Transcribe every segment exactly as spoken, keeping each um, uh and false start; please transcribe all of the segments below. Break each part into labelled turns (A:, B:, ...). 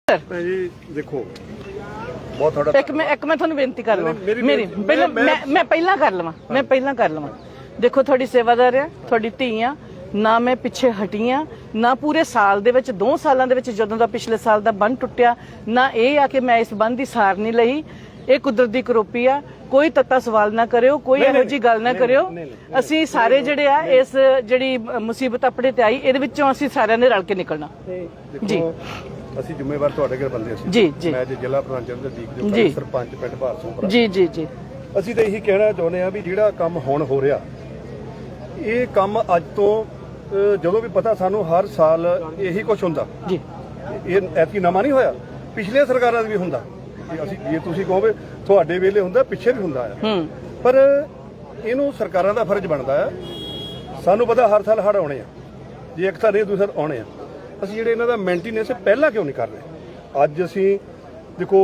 A: जी देखो बहुत थोड़ा
B: एक मैं एक मैं ਤੁਹਾਨੂੰ ਬੇਨਤੀ ਕਰ ਲਵਾਂ ਮੇਰੀ ਪਹਿਲਾਂ ਮੈਂ ਮੈਂ ਪਹਿਲਾਂ ਕਰ ਲਵਾਂ ਮੈਂ ਪਹਿਲਾਂ ਕਰ ਲਵਾਂ ਦੇਖੋ ਤੁਹਾਡੀ ਸੇਵਾਦਾਰ ਆ ਤੁਹਾਡੀ ਧੀ ਆ ਨਾ ਮੈਂ ਪਿੱਛੇ ਹਟੀ ਆ ਨਾ ਪੂਰੇ ਸਾਲ ਦੇ ਵਿੱਚ ਦੋ ਸਾਲਾਂ ਦੇ ਵਿੱਚ ਜਦੋਂ ਦਾ ਪਿਛਲੇ ਸਾਲ ਦਾ ਬੰਨ ਟੁੱਟਿਆ ਨਾ ਇਹ ਆ ਕਿ ਮੈਂ ਇਸ ਬੰਨ ਦੀ ਸਾਰ ਨਹੀਂ ਲਈ ਇਹ ਕੁਦਰਤ ਦੀ ਕਰੋਪੀ ਆ ਕੋਈ ਤੱਤਾ ਸਵਾਲ ਨਾ ਕਰਿਓ ਕੋਈ ਇਹੋ ਜੀ ਗੱਲ ਨਾ ਕਰਿਓ ਅਸੀਂ ਸਾਰੇ ਜਿਹੜੇ ਆ ਇਸ ਜਿਹੜੀ ਮੁਸੀਬਤ ਆਪਣੇ ਤੇ ਆਈ ਇਹਦੇ ਵਿੱਚੋਂ ਅਸੀਂ ਸਾਰਿਆਂ ਨੇ ਰਲ ਕੇ ਨਿਕਲਣਾ ਜੀ
A: ਅਸੀਂ ਜ਼ਿੰਮੇਵਾਰ ਤੁਹਾਡੇ ਘਰ ਬੰਦੇ ਅਸੀਂ
B: ਜੀ ਜੀ
A: ਮੈਂ ਜ਼ਿਲ੍ਹਾ ਪ੍ਰਧਾਨ ਚੰਦਰਦੀਪ ਜੀ ਸਰਪੰਚ ਪਿੰਡ ਭਾਰਸੋਂ
B: ਜੀ ਜੀ ਜੀ
A: ਅਸੀਂ ਤਾਂ ਇਹੀ ਕਹਿਣਾ ਚਾਹੁੰਦੇ ਆ ਵੀ ਜਿਹੜਾ ਕੰਮ ਹੁਣ ਹੋ ਰਿਹਾ ਇਹ ਕੰਮ ਅੱਜ ਤੋਂ ਜਦੋਂ ਵੀ ਪਤਾ ਸਾਨੂੰ ਹਰ ਸਾਲ ਇਹੀ ਕੁਝ ਹੁੰਦਾ
B: ਜੀ
A: ਇਹ ਐਤਕੀ ਨਵਾਂ ਨਹੀਂ ਹੋਇਆ ਪਿਛਲੇ ਸਰਕਾਰਾਂ ਦਾ ਵੀ ਹੁੰਦਾ ਅਸੀਂ ਜੇ ਤੁਸੀਂ ਕਹੋਗੇ ਤੁਹਾਡੇ ਵੇਲੇ ਹੁੰਦਾ ਪਿੱਛੇ ਵੀ ਹੁੰਦਾ ਆ ਪਰ ਇਹਨੂੰ ਸਰਕਾਰਾਂ ਦਾ ਫਰਜ਼ ਬਣਦਾ ਆ ਸਾਨੂੰ ਪਤਾ ਹਰ ਸਾਲ ਹੜ੍ਹ ਆਉਣੇ ਆ ਜੇ ਇੱਕ ਤਾਂ ਨਹੀਂ ਦੂਸਰਾ ਆਉਣੇ ਆ ਅਸੀਂ ਜਿਹੜੇ ਇਹਨਾਂ ਦਾ ਮੇਨਟੇਨੈਂਸ ਪਹਿਲਾਂ ਕਿਉਂ ਨਹੀਂ ਕਰ ਰਹੇ ਅੱਜ ਅਸੀਂ ਦੇਖੋ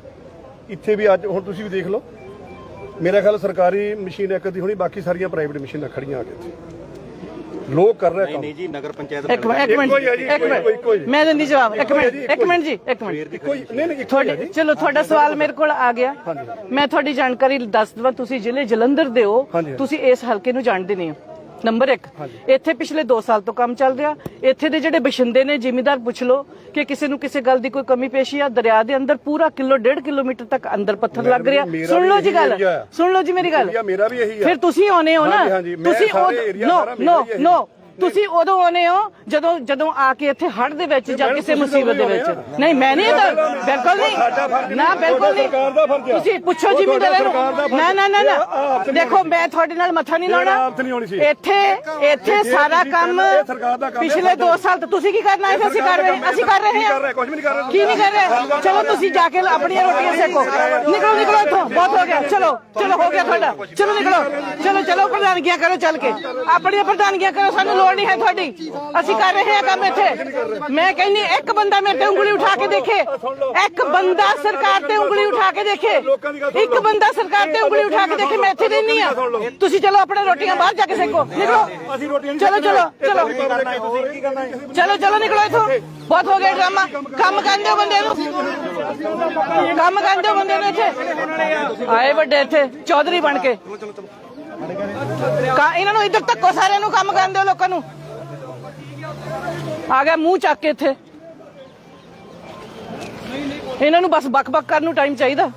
A: ਇੱਥੇ ਵੀ ਅੱਜ ਹੁਣ ਤੁਸੀਂ ਵੀ ਦੇਖ ਲਓ ਮੇਰਾ ਖਿਆਲ ਸਰਕਾਰੀ ਮਸ਼ੀਨ ਇੱਕ ਦੀ ਹੋਣੀ ਬਾਕੀ ਸਾਰੀਆਂ ਪ੍ਰਾਈਵੇਟ ਮਸ਼ੀਨਾਂ ਖੜੀਆਂ ਆ ਕੇ ਇੱਥੇ ਲੋਕ ਕਰ ਰਹੇ ਕੰਮ ਨਹੀਂ ਜੀ ਨਗਰ ਪੰਚਾਇਤ
B: ਇੱਕ ਮਿੰਟ ਇੱਕ ਮਿੰਟ ਮੈਂ ਦਿੰਦੀ ਜਵਾਬ ਇੱਕ ਮਿੰਟ ਇੱਕ ਮਿੰਟ ਜੀ ਇੱਕ ਮਿੰਟ
A: ਕੋਈ ਨਹੀਂ ਨਹੀਂ
B: ਤੁਹਾਡੀ ਚਲੋ ਤੁਹਾਡਾ ਸਵਾਲ ਮੇਰੇ ਕੋਲ ਆ ਗਿਆ ਮੈਂ ਤੁਹਾਡੀ ਜਾਣਕਾਰੀ ਦੱਸ ਦਵਾਂ ਤੁਸੀਂ ਜ਼ਿਲ੍ਹੇ ਜਲੰਧਰ ਦੇ ਹੋ ਤੁਸੀਂ ਇਸ ਹਲਕੇ ਨੂੰ ਜਾਣਦੇ ਨਹੀਂ ਹੋ ਨੰਬਰ ਇੱਕ ਇੱਥੇ ਪਿਛਲੇ ਦੋ ਸਾਲ ਤੋਂ ਕੰਮ ਚੱਲ ਰਿਹਾ ਇੱਥੇ ਦੇ ਜਿਹੜੇ ਬਸ਼ਿੰਦੇ ਨੇ ਜ਼ਿਮੀਂਦਾਰ ਪੁੱਛ ਲਓ ਕਿ ਕਿਸੇ ਨੂੰ ਕਿਸੇ ਗੱਲ ਦੀ ਕੋਈ ਕਮੀ ਪੇਸ਼ੀ ਆ ਦਰਿਆ ਦੇ ਅੰਦਰ ਪੂਰਾ ਕਿਲੋ ਡੇਢ ਕਿਲੋਮੀਟਰ ਤੱਕ ਅੰਦਰ ਪੱਥਰ ਲੱਗ ਰਿਹਾ ਸੁਣ ਲਓ ਜੀ ਗੱਲ ਸੁਣ ਲਓ ਜੀ ਮੇਰੀ ਗੱਲ
A: ਮੇਰਾ ਵੀ ਇਹੀ ਆ
B: ਫਿਰ ਤੁਸੀਂ ਆਉਨੇ ਹੋ ਨਾ ਤੁਸੀਂ ਨੋ ਨੋ ਨੋ ਤੁਸੀਂ ਉਦੋਂ ਆਉਨੇ ਹੋ ਜਦੋਂ ਜਦੋਂ ਆ ਕੇ ਇੱਥੇ ਹੜ੍ਹ ਦੇ ਵਿੱਚ ਜਾਂ ਕਿਸੇ ਮੁਸੀਬਤ ਦੇ ਵਿੱਚ ਨਹੀਂ ਮੈਂ ਨਹੀਂ ਬਿਲਕੁਲ ਨਹੀਂ ਨਾ ਬਿਲਕੁਲ ਨਹੀਂ ਤੁਸੀਂ ਪੁੱਛੋ ਜ਼ਿਮੀਂਦਾਰਾਂ ਨੂੰ ਨਾ ਨਾ ਨਾ ਨਾ ਦੇਖੋ ਮੈਂ ਤੁਹਾਡੇ ਨਾਲ ਮੱਥਾ ਨਹੀਂ ਲਾਉਣਾ ਇੱਥੇ ਇੱਥੇ ਸਾਰਾ ਕੰਮ ਪਿਛਲੇ ਦੋ ਸਾਲ ਤੋਂ ਤੁਸੀਂ ਕੀ ਕਰਨਾ ਹੈ ਅਸੀਂ ਕਰ ਰਹੇ ਅਸੀਂ ਕਰ ਰਹੇ ਹਾਂ ਕੀ ਨਹੀਂ ਕਰ ਰਹੇ ਚਲੋ ਤੁਸੀਂ ਜਾ ਕੇ ਆਪਣੀਆਂ ਰੋਟੀਆਂ ਸੇਕੋ ਨਿਕਲੋ ਨਿਕਲੋ ਇੱਥੋਂ ਬਹੁਤ ਹੋ ਗਿਆ ਚਲੋ ਚਲੋ ਹੋ ਗਿਆ ਤੁਹਾਡਾ ਚਲੋ ਨਿਕਲੋ ਚਲੋ ਚਲੋ ਪ੍ਰਧਾਨਗੀਆਂ ਕਰੋ ਚੱਲ ਕੇ ਆਪਣੀਆਂ ਪ੍ਰਧਾਨਗੀਆਂ ਕਰੋ ਸਾਨੂੰ ਨਹੀਂ ਹੈ ਤੁਹਾਡੀ ਅਸੀਂ ਕਰ ਰਹੇ ਹਾਂ ਕੰਮ ਇੱਥੇ ਮੈਂ ਕਹਿੰਦੀ ਇੱਕ ਬੰਦਾ ਮੇਰੇ ਤੇ ਉਂਗਲੀ ਉਠਾ ਕੇ ਦੇਖੇ ਇੱਕ ਬੰਦਾ ਸਰਕਾਰ ਤੇ ਉਂਗਲੀ ਉਠਾ ਕੇ ਦੇਖੇ ਇੱਕ ਬੰਦਾ ਸਰਕਾਰ ਤੇ ਉਂਗਲੀ ਉਠਾ ਕੇ ਦੇਖੇ ਮੈਂ ਇੱਥੇ ਰਹਿਣੀ ਆ ਤੁਸੀਂ ਚਲੋ ਆਪਣੇ ਰੋਟੀਆਂ ਬਾਹਰ ਜਾ ਕੇ ਸੇਕੋ ਨਿਕਲੋ ਚਲੋ ਚਲੋ ਚਲੋ ਚਲੋ ਚਲੋ ਨਿਕਲੋ ਇੱਥੋਂ ਬਹੁਤ ਹੋ ਗਿਆ ਡਰਾਮਾ ਕੰਮ ਕਰਦੇ ਹੋ ਬੰਦੇ ਨੂੰ ਕੰਮ ਕਰਦੇ ਹੋ ਬੰਦੇ ਨੂੰ ਇੱਥੇ ਆਏ ਵੱਡੇ ਇੱਥੇ ਚੌਧਰੀ ਬਣ ਕੇ ਇਹਨਾਂ ਨੂੰ ਇੱਧਰ ਧੱਕੋ ਸਾਰਿਆਂ ਨੂੰ ਕੰਮ ਕਰਨ ਦਿਓ ਲੋਕਾਂ ਨੂੰ ਆ ਗਿਆ ਮੂੰਹ ਚੱਕ ਕੇ ਇੱਥੇ ਇਹਨਾਂ ਨੂੰ ਬਸ ਬਕ ਬਕ ਕਰਨ ਨੂੰ ਟਾਈਮ ਚਾਹੀਦਾ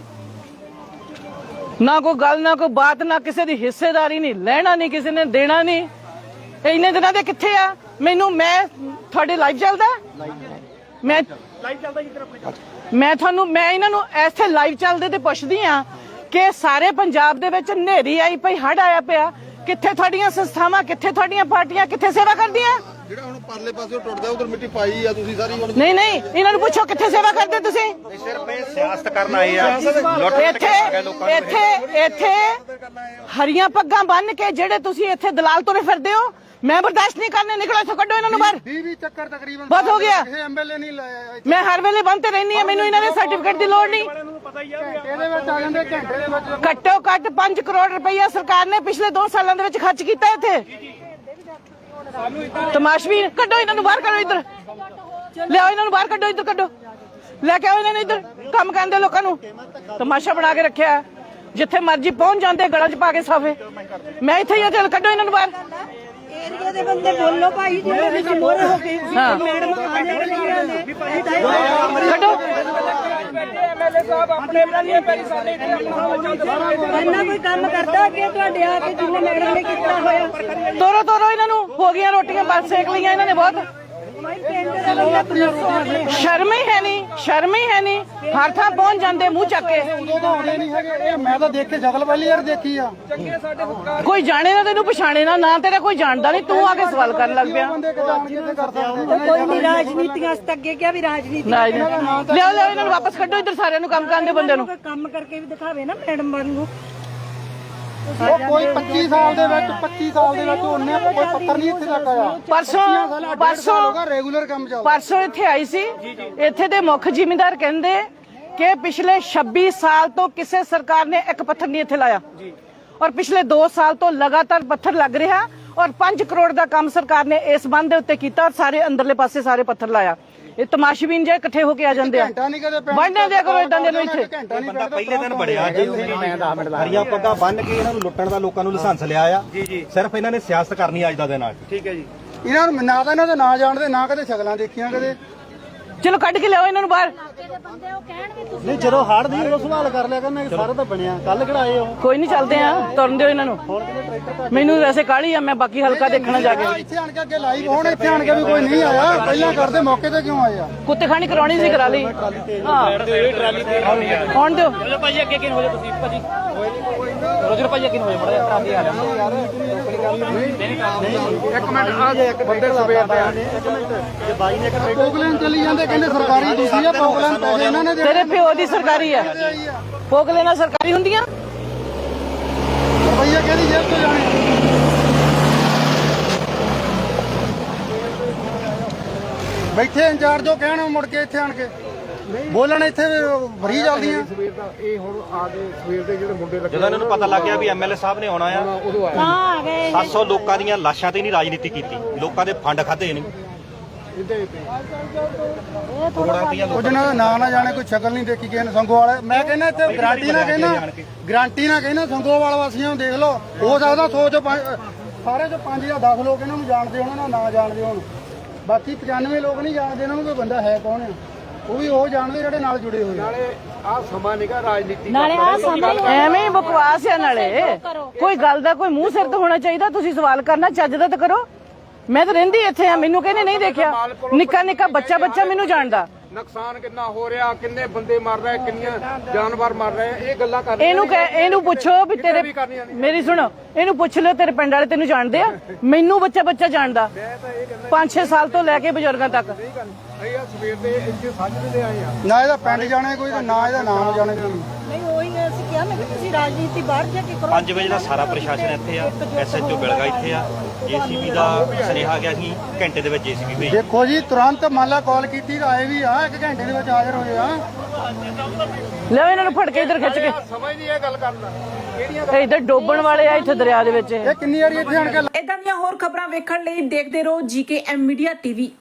B: ਨਾ ਕੋਈ ਗੱਲ ਨਾ ਕੋਈ ਬਾਤ ਨਾ ਕਿਸੇ ਦੀ ਹਿੱਸੇਦਾਰੀ ਨਹੀਂ ਲੈਣਾ ਨਹੀਂ ਕਿਸੇ ਨੇ ਦੇਣਾ ਨਹੀਂ ਇੰਨੇ ਦਿਨਾਂ ਦੇ ਕਿੱਥੇ ਆ ਮੈਨੂੰ ਮੈਂ ਤੁਹਾਡੇ ਲਾਈਵ ਚੱਲਦਾ ਮੈਂ ਲਾਈਵ ਚੱਲਦਾ ਜੀ ਮੈਂ ਤੁਹਾਨੂੰ ਮੈਂ ਇਹਨਾਂ ਨੂੰ ਇੱਥੇ ਲਾਈਵ ਚੱਲਦੇ ਤੇ ਪੁੱਛਦੀ ਆ ਕਿ ਸਾਰੇ ਪੰਜਾਬ ਦੇ ਵਿੱਚ ਹਨੇਰੀ ਆਈ ਪਈ ਹੜ੍ਹ ਆਇਆ ਪਿਆ ਕਿੱਥੇ ਤੁਹਾਡੀਆਂ ਸੰਸਥਾਵਾਂ ਕਿੱਥੇ ਤੁਹਾਡੀਆਂ ਪਾਰਟੀਆਂ ਕਿੱਥੇ ਸੇਵਾ ਕਰਦੀਆਂ
C: ਜਿਹੜਾ ਹੁਣ ਪਰਲੇ ਪਾਸੇ ਟੁੱਟਦਾ ਉਧਰ ਮਿੱਟੀ ਪਾਈ ਆ ਤੁਸੀਂ ਸਾਰੀ ਹੁਣ
B: ਨਹੀਂ ਨਹੀਂ ਇਹਨਾਂ ਨੂੰ ਪੁੱਛੋ ਕਿੱਥੇ ਸੇਵਾ ਕਰਦੇ ਤੁਸੀਂ
C: ਸਿਰਫ ਇਹ ਸਿਆਸਤ ਕਰਨ ਆਏ ਆ
B: ਇੱਥੇ ਇੱਥੇ ਇੱਥੇ ਹਰੀਆਂ ਪੱਗਾਂ ਬੰਨ ਕੇ ਜਿਹੜੇ ਤੁਸੀਂ ਇੱਥੇ ਦਲਾਲ ਤੁਰੇ ਫਿਰਦੇ ਹੋ ਮੈਂ ਬਰਦਾਸ਼ਤ ਨਹੀਂ ਕਰਨੇ ਨਿਕਲੋ ਇੱਥੋਂ ਕੱਢੋ ਇਹਨਾਂ ਨੂੰ ਬਾਹਰ
C: ਵੀਹ ਚੱਕਰ ਤਕਰੀਬਨ
B: ਬਹੁਤ ਹੋ ਗਿਆ
C: ਇਹ ਐਮਐਲਏ ਨਹੀਂ ਲਾਇਆ
B: ਮੈਂ ਹਰ ਵੇਲੇ ਬੰਦ ਤੇ ਰਹਿਣੀ ਆ ਮੈਨੂੰ ਇਹਨਾਂ ਦੇ ਸਰਟੀਫਿਕੇਟ ਦੀ ਲੋੜ ਨਹੀਂ
C: ਇਹਦੇ ਵਿੱਚ ਆ ਜਾਂਦੇ ਘੰਟੇ ਦੇ ਵਿੱਚ
B: ਘੱਟੋ ਘੱਟ ਪੰਜ ਕਰੋੜ ਰੁਪਈਆ ਸਰਕਾਰ ਨੇ ਪਿਛਲੇ ਦੋ ਸਾਲਾਂ ਦੇ ਵਿੱਚ ਖਰਚ ਕੀਤਾ ਇੱਥੇ ਤਮਾਸ਼ਵੀ ਕੱਢੋ ਇਹਨਾਂ ਨੂੰ ਬਾਹਰ ਕੱਢੋ ਇੱਧਰ ਲਿਆਓ ਇਹਨਾਂ ਨੂੰ ਬਾਹਰ ਕੱਢੋ ਇੱਧਰ ਕੱਢੋ ਲੈ ਕੇ ਆਓ ਇਹਨਾਂ ਨੂੰ ਇੱਧਰ ਕੰਮ ਕਰਦੇ ਲੋਕਾਂ ਨੂੰ ਤਮਾਸ਼ਾ ਬਣਾ ਕੇ ਰੱਖਿਆ ਜਿੱਥੇ ਮਰਜ਼ੀ ਪਹੁੰਚ ਜਾਂਦੇ ਗਲਾਂ 'ਚ ਪਾ ਕੇ ਸਾਫੇ ਮੈਂ ਇੱਥੇ ਹੀ ਆ ਚੱਲ ਕੱਢੋ ਇਹਨਾਂ ਨੂੰ ਬਾਹਰ
D: ਏਰੀਆ ਦੇ ਬੰਦੇ ਬੋਲੋ ਭਾਈ ਜਿਹੜੇ ਵਿੱਚ ਮੋਰੇ ਹੋ ਕੇ ਮੈਡਮ ਆਣੇ ਵਾਲੀਆਂ ਨੇ
B: ਕੱਢੋ
D: ਐਮਐਲਏ ਸਾਹਿਬ ਆਪਣੇ ਬਰਾਲੀਆਂ ਪੈਰੀ ਸਾਡੇ ਇੰਨਾ ਕੋਈ ਕੰਮ ਕਰਦਾ ਕਿ ਤੁਹਾਡੇ ਆ ਕੇ ਜਿੰਨੇ ਮੈਡਮ ਨੇ ਕੀਤਾ ਹੋਇਆ
B: ਤੋਰੋ ਤੋਰੋ ਇਹਨਾਂ ਨੂੰ ਹੋ ਗਈਆਂ ਰੋਟੀਆਂ ਬਸ ਸੇਕ ਲਈਆਂ ਇਹਨਾਂ ਨੇ ਬਹੁਤ ਸ਼ਰਮ ਹੀ ਹੈ ਨਹੀਂ ਸ਼ਰਮ ਹੀ ਹੈ ਨਹੀਂ ਹਰ ਥਾਂ ਪਹੁੰਚ ਜਾਂਦੇ ਮੂੰਹ ਚੱਕ ਕੇ
C: ਉਦੋਂ ਤਾਂ ਆਉਂਦੇ ਨਹੀਂ ਹੈਗੇ ਮੈਂ ਤਾਂ ਦੇਖ ਕੇ ਜਗਲ ਵਾਲੀ ਯਾਰ ਦੇਖੀ ਆ
B: ਕੋਈ ਜਾਣੇ ਨਾ ਤੈਨੂੰ ਪਛਾਣੇ ਨਾ ਨਾ ਤੇਰਾ ਕੋਈ ਜਾਣਦਾ ਨਹੀਂ ਤੂੰ ਆ ਕੇ ਸਵਾਲ ਕਰਨ ਲੱਗ ਪਿਆ
D: ਕੋਈ ਨਹੀਂ ਰਾਜਨੀਤੀਆਂ ਅਸ ਅੱਗੇ ਕਿਹਾ ਵੀ ਰਾਜਨੀਤੀ
B: ਲਿਆਓ ਲਿਆਓ ਇਹਨਾਂ ਨੂੰ ਵਾਪਸ ਕੱਢੋ ਇੱਧਰ ਸਾਰਿਆਂ ਨੂੰ ਕੰਮ ਕਰਨ ਦੇ ਬੰਦੇ ਨੂੰ
D: ਕੰਮ ਕਰਕੇ ਵੀ ਦਿਖਾਵੇ ਨਾ ਮੈਡਮ ਵਾਂਗੂ
C: ਉਹ ਕੋਈ ਪੱਚੀ ਸਾਲ ਦੇ ਵਿੱਚ ਪੱਚੀ ਸਾਲ ਦੇ ਵਿੱਚ ਉਹਨੇ ਕੋਈ ਪੱਤਰ ਨਹੀਂ ਇੱਥੇ ਤੱਕ ਆਇਆ
B: ਪਰਸੋਂ ਪਰਸੋਂ
C: ਰੈਗੂਲਰ ਕੰਮ ਚੱਲਦਾ
B: ਪਰਸੋਂ ਇੱਥੇ ਆਈ ਸੀ ਇੱਥੇ ਦੇ ਮੁੱਖ ਜ਼ਿਮੀਂਦਾਰ ਕਹਿੰਦੇ ਕਿ ਪਿਛਲੇ ਛੱਬੀ ਸਾਲ ਤੋਂ ਕਿਸੇ ਸਰਕਾਰ ਨੇ ਇੱਕ ਪੱਥਰ ਨਹੀਂ ਇੱਥੇ ਲਾਇਆ ਔਰ ਪਿਛਲੇ ਦੋ ਸਾਲ ਤੋਂ ਲਗਾਤਾਰ ਪੱਥਰ ਲੱਗ ਰਿਹਾ ਔਰ ਪੰਜ ਕਰੋੜ ਦਾ ਕੰਮ ਸਰਕਾਰ ਨੇ ਇਸ ਬੰਦ ਦੇ ਉੱਤੇ ਕੀਤਾ ਔਰ ਸਾਰੇ ਅੰਦਰਲੇ ਪਾਸੇ ਸਾਰੇ ਪੱਥਰ ਲਾਇਆ ਇਹ ਤਮਾਸ਼ਬੀਨ ਜੇ ਇਕੱਠੇ ਹੋ ਕੇ ਆ ਜਾਂਦੇ ਆ
C: ਘੰਟਾ ਨਹੀਂ ਕਦੇ
B: ਬੰਨ੍ਹ ਦਿਆ ਕਰੋ ਇਦਾਂ ਦੇ ਨੂੰ ਇੱਥੇ
C: ਘੰਟਾ ਨਹੀਂ
E: ਬੰਦਾ ਪਹਿਲੇ ਦਿਨ ਬੜਿਆ ਜੀ ਹਰੀਆਂ ਪੱਗਾਂ ਬੰਨ ਕੇ ਇਹਨਾਂ ਨੂੰ ਲੁੱਟਣ ਦਾ ਲੋਕਾਂ ਨੂੰ ਲਾਇਸੈਂਸ ਲਿਆ ਆ ਜੀ ਜੀ ਸਿਰਫ ਇਹਨਾਂ ਨੇ ਸਿਆਸਤ ਕਰਨੀ ਅੱਜ ਦਾ ਦਿਨ ਆ ਠੀਕ ਹੈ ਜੀ
C: ਇਹਨਾਂ ਨੂੰ ਨਾ ਤਾਂ ਇਹਨਾਂ ਦਾ ਨਾਂ ਜਾਣਦੇ ਨਾ ਕਦੇ ਸ਼ਕਲਾਂ ਦੇਖੀਆਂ ਕਦੇ
B: ਚਲੋ ਕੱਢ ਕੇ ਲਿਆਓ ਇਹਨਾਂ ਨੂੰ ਬਾਹਰ
C: ਨਹੀਂ ਜਦੋਂ ਹੜ ਦੀ ਉਹ ਸਵਾਲ ਕਰ ਲਿਆ ਕਰਨਾ ਸਾਰਾ ਤਾਂ ਬਣਿਆ ਕੱਲ ਕਿਹੜਾਏ ਉਹ
B: ਕੋਈ ਨਹੀਂ ਚੱਲਦੇ ਆ ਤੁਰਨ ਦਿਓ ਇਹਨਾਂ ਨੂੰ ਮੈਨੂੰ ਵੈਸੇ ਕਾਹਲੀ ਆ ਮੈਂ ਬਾਕੀ ਹਲਕਾ ਦੇਖਣਾ ਜਾ ਕੇ
C: ਇੱਥੇ ਆਣ ਕੇ ਅੱਗੇ ਲਾਈਵ ਹੋਣ ਇੱਥੇ ਆਣ ਕੇ ਵੀ ਕੋਈ ਨਹੀਂ ਆਇਆ ਪਹਿਲਾਂ ਕਰਦੇ ਮੌਕੇ ਤੇ ਕਿਉਂ ਆਏ ਆ
B: ਕੁੱਤੇ ਖਾਣੀ ਕਰਾਉਣੀ ਸੀ ਕਰਾ ਲਈ ਹਾਂ ਆਉਣ ਦਿਓ
F: ਭਾਜੀ ਅੱਗੇ ਕਿਨ ਹੋ ਜਾ ਤੁਸੀਂ ਭਾਜੀ ਰੋਜਰ ਭਾਜੀ ਅੱਗੇ ਹੋ ਜਾ ਬੜਾ ਟਰਾਲੀ ਆ ਰਿਹਾ
C: ਇੱਕ ਮਿੰਟ ਆ ਜੇ ਇੱਕ ਬੰਦੇ ਸਵੇਰ ਤੇ ਆ ਇੱਕ ਮਿੰਟ ਜੇ ਬਾਈ ਨੇ ਪੋਗਲੈਂਡ ਚਲੀ ਜਾਂਦੇ ਕਹਿੰਦੇ ਸਰਕਾਰੀ ਦੂਸਰੀ ਆ ਪੋਗਲੈਂਡ ਪੈਸੇ ਇਹਨਾਂ ਨੇ
B: ਤੇਰੇ ਪਿਓ ਦੀ ਸਰਕਾਰੀ ਆ ਫੋਕ ਲੈਣਾ ਸਰਕਾਰੀ ਹੁੰਦੀਆਂ
C: ਰੁਪਈਆ ਕਿਹਦੀ ਜੇਬ ਤੋਂ ਜਾਣੇ ਬੈਠੇ ਇੰਚਾਰਜ ਉਹ ਕਹਿਣ ਮੁੜ ਕੇ ਇੱਥੇ ਆਣ ਕੇ ਬੋਲਣ ਇੱਥੇ ਭਰੀ ਚੱਲਦੀਆਂ
A: ਇਹ ਹੁਣ ਆ ਦੇ ਸਵੇਰ ਦੇ ਜਿਹੜੇ ਮੁੰਡੇ
E: ਜਦੋਂ ਇਹਨਾਂ ਨੂੰ ਪਤਾ ਲੱਗ ਗਿਆ ਵੀ ਐਮਐਲਏ ਸਾਹਿਬ ਨੇ ਆਉਣਾ ਆ
D: ਹਾਂ ਗਏ
E: ਸੱਤ ਸੌ ਲੋਕਾਂ ਦੀਆਂ ਲਾਸ਼ਾਂ ਤੇ ਨਹੀਂ ਰਾਜਨੀਤੀ ਕੀਤੀ ਲੋਕਾਂ ਦੇ ਫੰਡ ਖਾਦੇ ਨਹੀਂ
C: ਉਹ ਜਿਹਨਾਂ ਦਾ ਨਾਂ ਨਾ ਜਾਣੇ ਕੋਈ ਸ਼ਕਲ ਨਹੀਂ ਦੇਖੀ ਕਿਸੇ ਨੇ ਸੰਗੋਵਾਲ ਮੈਂ ਕਹਿੰਦਾ ਇੱਥੇ ਗਾਰੰਟੀ ਨਾ ਕਹਿੰਦਾ ਗਾਰੰਟੀ ਨਾ ਕਹਿੰਦਾ ਸੰਗੋਵਾਲ ਵਾਸੀਆਂ ਨੂੰ ਦੇਖ ਲਓ ਹੋ ਸਕਦਾ ਸੌ ਚੋਂ ਪੰਜ ਸਾਰੇ ਚੋਂ ਪੰਜ ਜਾਂ ਦਸ ਲੋਕ ਇਹਨਾਂ ਨੂੰ ਜਾਣਦੇ ਹੋਣ ਨਾ ਨਾ ਜਾਣਦੇ ਹੋਣ ਬਾਕੀ ਪਚਾਨਵੇਂ ਲੋਕ ਨਹੀਂ ਜਾਣਦੇ ਇਹਨਾਂ ਨੂੰ ਕੋਈ ਬੰਦਾ ਹੈ ਕੌਣ ਆ ਉਹ ਵੀ ਉਹ ਜਾਣਦੇ ਜਿਹੜੇ ਨਾਲ ਜੁੜੇ ਹੋਏ ਨਾਲੇ
A: ਆ ਸਮਾਂ ਨਿਕਾ ਰਾਜਨੀਤੀ
D: ਨਾਲੇ ਆ ਸਮਝ
B: ਐਵੇਂ ਹੀ ਬਕਵਾਸ ਆ ਨਾਲੇ ਕੋਈ ਗੱਲ ਦਾ ਕੋਈ ਮੂੰਹ ਸਿਰ ਤੇ ਹੋਣਾ ਚਾਹੀਦਾ ਤੁਸੀਂ ਸਵਾਲ ਕਰਨਾ ਚੱਜ ਦਾ ਤਾਂ ਕਰੋ ਮੈਂ ਤਾਂ ਰਹਿੰਦੀ ਇੱਥੇ ਆ ਮੈਨੂੰ ਕਹਿੰਦੇ ਨਹੀਂ ਦੇਖਿਆ ਨਿੱਕਾ ਨਿੱਕਾ ਬੱਚਾ ਬੱਚਾ ਮੈਨੂੰ ਜਾਣਦਾ
A: ਨੁਕਸਾਨ ਕਿੰਨਾ ਹੋ ਰਿਹਾ ਕਿੰਨੇ ਬੰਦੇ ਮਰ ਰਹੇ ਕਿੰਨੀਆਂ ਜਾਨਵਰ ਮਰ ਰਹੇ ਇਹ ਗੱਲਾਂ ਕਰ
B: ਇਹਨੂੰ ਕਹਿ ਇਹਨੂੰ ਪੁੱਛੋ ਵੀ ਤੇਰੇ ਮੇਰੀ ਸੁਣੋ ਇਹਨੂੰ ਪੁੱਛ ਲਿਓ ਤੇਰੇ ਪਿੰਡ ਵਾਲੇ ਤੈਨੂੰ ਜਾਣਦੇ ਆ ਮੈਨੂੰ ਬੱਚਾ ਬੱਚਾ ਜਾਣਦਾ ਪੰਜ ਛੇ ਸਾਲ ਤੋਂ ਲੈ ਕੇ ਬਜ਼ੁਰਗਾਂ ਤੱਕ
A: ਅਸੀਂ ਆ ਸਵੇਰ ਦੇ ਇੱਥੇ ਸਾਜਰੇ ਦੇ ਆਏ ਆ
C: ਨਾ ਇਹਦਾ ਪਿੰਡ ਜਾਣੇ ਕੋਈ ਤੇ ਨਾ ਇਹਦਾ ਨਾਮ ਜਾਣੇ ਕੋਈ
D: ਨਹੀਂ ਉਹੀ ਅਸੀਂ ਕਿਹਾ ਮੈਂ ਕਿ ਤੁਸੀਂ ਰਾਜਨੀਤੀ ਬਾਹਰ ਜਾ ਕੇ ਕਰੋ
E: ਪੰਜ ਵਜੇ ਦਾ ਸਾਰਾ ਪ੍ਰਸ਼ਾਸਨ ਇੱਥੇ ਆ ਐਸਐਚਓ ਬਿਲਗਾ ਇੱਥੇ ਆ ਜੀਸੀਬੀ ਦਾ ਸੁਨੇਹਾ ਗਿਆ ਸੀ ਘੰਟੇ ਦੇ ਵਿੱਚ ਜੀਸੀਬੀ ਭੇਜੀ
C: ਦੇਖੋ ਜੀ ਤੁਰੰਤ ਮੰਨ ਲਾ ਕਾਲ ਕੀਤੀ ਤਾਂ ਆਏ ਵੀ ਆ ਇੱਕ ਘੰਟੇ ਦੇ ਵਿੱਚ ਹਾਜ਼ਰ ਹੋਏ ਆ
B: ਲਿਓ ਇਹਨਾਂ ਨੂੰ ਫੜ ਕੇ ਇੱਧਰ ਖਿੱਚ ਕੇ
A: ਸਮਝ ਨਹੀਂ ਇਹ ਗੱਲ ਕਰਨਾ ਕਿਹੜੀਆਂ
B: ਇਹ ਇੱਧਰ ਡੋਬਣ ਵਾਲੇ ਆ ਇੱਥੇ ਦਰਿਆ ਦੇ ਵਿੱਚ ਇਹ
C: ਇਹ ਕਿੰਨੀ ਵਾਰੀ ਇੱਥੇ ਆਣ ਕੇ
G: ਇਦਾਂ ਦੀਆਂ ਹੋਰ ਖਬਰਾਂ ਵੇਖਣ ਲਈ ਦੇਖਦੇ ਰਹੋ ਜੀਕੇ ਐਮ ਮੀਡੀਆ ਟੀਵੀ।